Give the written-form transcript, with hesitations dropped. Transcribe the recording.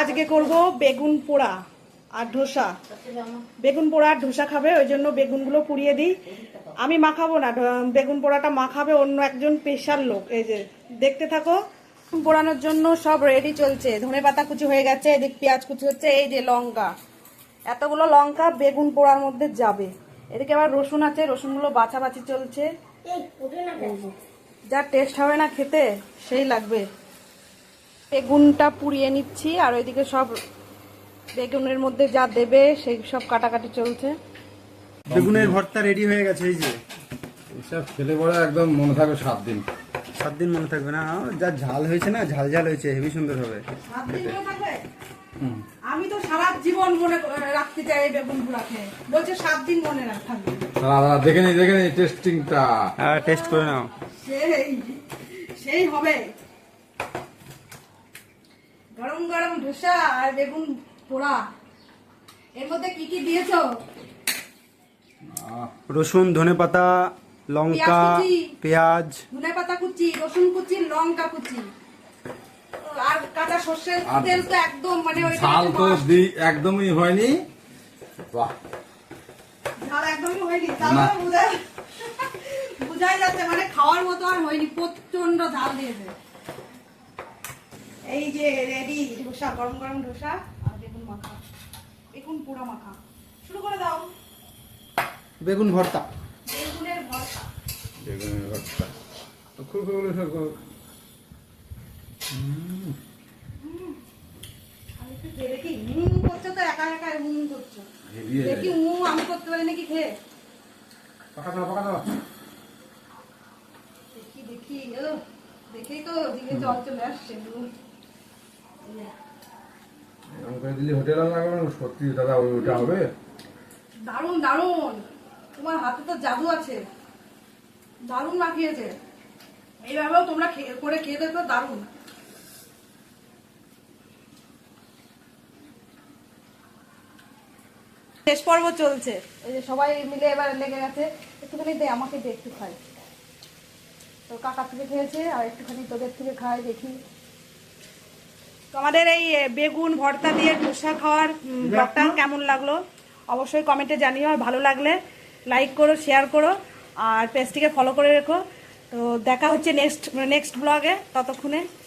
আজকে করব বেগুন পোড়া আর ধোসা। বেগুন পোড়া আর ধোসা খাবে, ওই জন্য বেগুনগুলো পুড়িয়ে দিই। আমি মাখাবো না, বেগুন পোড়াটা মাখাবে অন্য একজন স্পেশাল লোক। এই যে দেখতে থাকো। পোড়ানোর জন্য সব রেডি চলছে। ধনেপাতা কুচি হয়ে গেছে, এদিক পেঁয়াজ কুচি হচ্ছে, এই যে লঙ্কা, এতগুলো লঙ্কা বেগুন পোড়ার মধ্যে যাবে। এদিকে আবার রসুন আছে, রসুনগুলো বাছাবাছি চলছে। যা টেস্ট হবে না খেতে, সেই লাগবে। বেগুনটা পুড়িয়ে নিচ্ছি, আর ওইদিকে সব বেগুনের মধ্যে যা দেবে সেই সব কাটাকাটি চলছে। বেগুনের ভর্তা রেডি হয়ে গেছে। এই যে এসব খেলে পরে একদম মনে থাকবে 7 দিন। 7 দিন মনে থাকবে না, যা ঝাল হয়েছে না, ঝাল ঝাল হয়েছে, হেভি সুন্দর হবে। 7 দিন মনে থাকবে? আমি তো সারা জীবন মনে রাখতে চাই এই বেগুন পোড়া খেয়ে। বলছে 7 দিন মনে থাকবে। দাদা দেখে নি টেস্টিংটা। হ্যাঁ, টেস্ট করে নাও। সেই হবে। গরম গরম ধোসা আর বেগুন পোড়া। এর মধ্যে কি কি দিয়েছো? রসুন, ধনেপাতা, লঙ্কা, পেঁয়াজ, ধনেপাতা কুচি, রসুন কুচি, লঙ্কা কুচি, আর কাঁচা সর্ষের তেল। তো একদম মানে ওই ঝাল তো একদমই হয়নি। বাহ, ঝাল একদমই হয়নি। বুঝাই যাচ্ছে মানে খাওয়ার মতো আর হয়নি, প্রচন্ড ঝাল দিয়েছে। এই যে রেডি ধোসা, গরম গরম ধোসা আর বেগুন মাখা, বেগুন পোড়া মাখা। শুরু করে দাও। বেগুন ভর্তা। বেগুনের ভর্তা। বেগুনের ভর্তা খুব আমি একটু খেয়ে দেখি। করছো তো একা একা করছো। দেখি আমি করতে পারি নাকি খেয়ে। পাকা দাও। দেখি দেখেই তো দিকে জল চলে আসছে। এরকম করে দিলে হোটেল লাগবে না। সত্যি দাদা ওইটা হবে। দারুণ দারুণ, তোমার হাতে তো জাদু আছে। দারুণ মাখিয়েছে। এইভাবেও তোমরা করে খেয়ে দেখো, দারুণ। শেষ পর্ব চলছে। এই যে সবাই মিলে এবার লেগে গেছে। একটুখানি দে, আমাকে দে, একটু খাই। তো কাকা থেকে খেয়েছে, আর একটুখানি তোদের থেকে খাই, দেখি। তোমাদের এই বেগুন ভর্তা দিয়ে ধোসা খাওয়ার ব্লগটা কেমন লাগলো অবশ্যই কমেন্টে জানিও। আর ভালো লাগলে লাইক করো, শেয়ার করো, আর পেজটিকে ফলো করে রেখো। তো দেখা হচ্ছে নেক্সট ব্লগে। ততক্ষণে